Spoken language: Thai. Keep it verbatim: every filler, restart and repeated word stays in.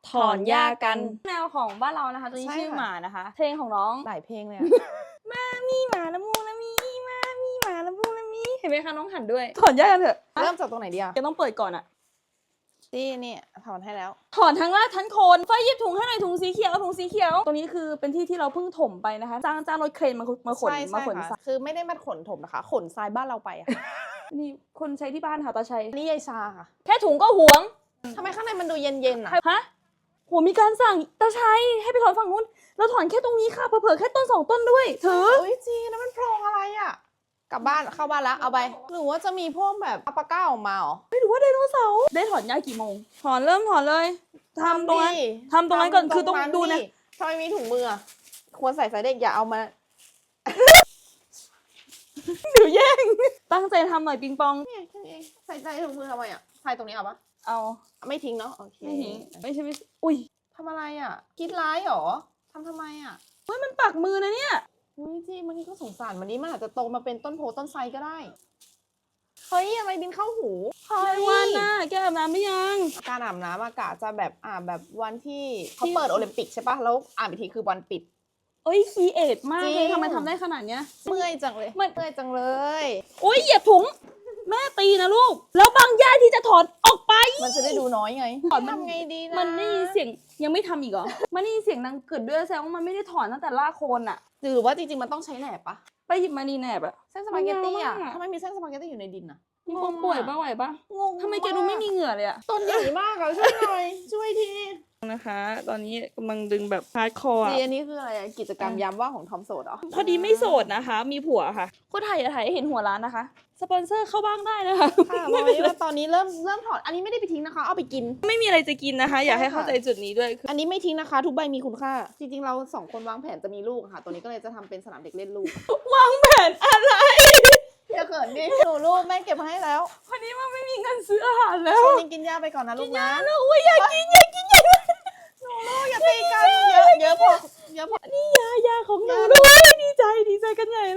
ถอนหญ้ากันแนวของบ้านเรานะคะตัวนี้ชื่อหมานะคะเพลงของน้องหลายเพลงเลยมามีหมาละมูละมีมามีหมาละมูละมีเห็นไหมคะน้องหันด้วยถอนหญ้ากันเถอะเริ่มจากตรงไหนดีอะจะต้องเปิดก่อนอะนี่นี่ถอนให้แล้วถอนทั้งรากทั้งโคนไฟหยิบถุงให้หน่อยถุงสีเขียวถุงสีเขียวตรงนี้คือเป็นที่ที่เราเพิ่งถมไปนะคะจ้างจ้างรถเครนมามาขนมาขนทรายคือไม่ได้มาขนถมนะคะขนทรายบ้านเราไปอะนี่คนใช้ที่บ้านค่ะตาชัยนี่ยายชาค่ะแค่ถุงก็หวงทำไมข้างในมันดูเย็นๆอะฮะโหมีการสั่งตาชัยให้ไปถอนฝั่งนู้นเราถอนแค่ตรงนี้ค่ะเผลอๆแค่ต้นสองต้นด้วยถืออุ้ยจีแล้วมันโพรงอะไรอะกลับบ้านเข้าบ้านแล้วเอาไปหรือว่าจะมีพวกแบบอัปปาก้าออกมาหรอไม่รู้ว่าไดโนเสาร์ได้ถอนหญ้ากี่โมงถอนเริ่มถอนเลยทำตรงนั้นทำตรงนั้นก่อนคือต้องดูนะทำไมมีถุงมือควรใส่สายเด็กอย่าเอามาเดี๋ยวแย่งตั้งใจทำหน่อยปิงปองเนี่ยแค่นี้ใส่ใจถุงมือทำไมอ่ะใส่ตรงนี้เอาปะเอาไม่ทิ้งเนาะโอเคไม่ทิ้งไม่ใช่ไม่อุ้ยทำอะไรอ่ะคิดร้ายหรอทำทำไมอ่ะเฮ้ยมันปักมือนะเนี่ยอุ้ยจีบางทีก็สงสารมันนี้มันอาจจะโตมาเป็นต้นโพต้นไทรก็ได้เฮ้ยอะไรบินเข้าหูเฮ้ยวันน่ะแกอาบน้ำหรือยังการอาบน้ำอากาศจะแบบอ่าแบบวันที่เขาเปิดโอลิมปิกใช่ปะแล้วอ่านอีกทีคือวันปิดเอ้ยคีเอทมากเลยทำไมทำได้ขนาดเนี้ยเมื่อยจังเลยเมื่อยจังเลยโอ้ยเหยียบถุงแม่ตีนะลูกแล้วบางหญ้าที่จะถอนออกไปมันจะได้ดูน้อยไงถอนมันไงดีนะมันได้ยินเสียงยังไม่ทำอีกเหรอมันได้ยินเสียงดังเกิดด้วยแสดงว่ามันไม่ได้ถอนตั้งแต่รากโคนอะหรือว่าจริงๆมันต้องใช้แหนบปะไปหยิบมาดีแหนบอะเส้นสปาเกตตี้อะทำไมมีเส้นสปาเกตตี้อยู่ในดินอะงงป่วยปะไหวปะงงทำไมแกดูไม่มีเหงื่อเลยอะต้นใหญ่มากอะช่วยหน่อยช่วยทีนะคะตอนนี้กำลังดึงแบบฮาร์ดคอร์จีอันนี้คืออะไรกิจกรรมยามว่างของทอมโสดเหรอพอดีไม่โสดนะคะมีผัวค่ะก็ถ่ายอย่าถ่ายให้เห็นหัวร้านนะคะสปอนเซอร์เข้าบ้างได้นะคะค่ะบอกเลยว่าตอนนี้เริ่มเริ่มถอดอันนี้ไม่ได้ไปทิ้งนะคะเอาไปกินไม่มีอะไรจะกินนะคะอยากให้เข้าใจจุดนี้ด้วยอันนี้ไม่ทิ้งนะคะทุกใบมีคุณค่าจริงๆเราสองคนวางแผนจะมีลูกค่ะตัวนี้ก็เลยจะทำเป็นสนามเด็กเล่นลูกวางแผนอะไรอย่าเขินดิหนูลูกแม่เก็บมาให้แล้ววันนี้มันไม่มีเงินซื้ออาหารแล้วช่วงนี้กินยาไปก่อนนะลูกนะลูกอยากกินอยากกินอยากหนูลูกอย่าตีกันเยอะเยอะพอเยอะพอนี่ยายาของหนูด้วยดีใจดีใจกันใหญ่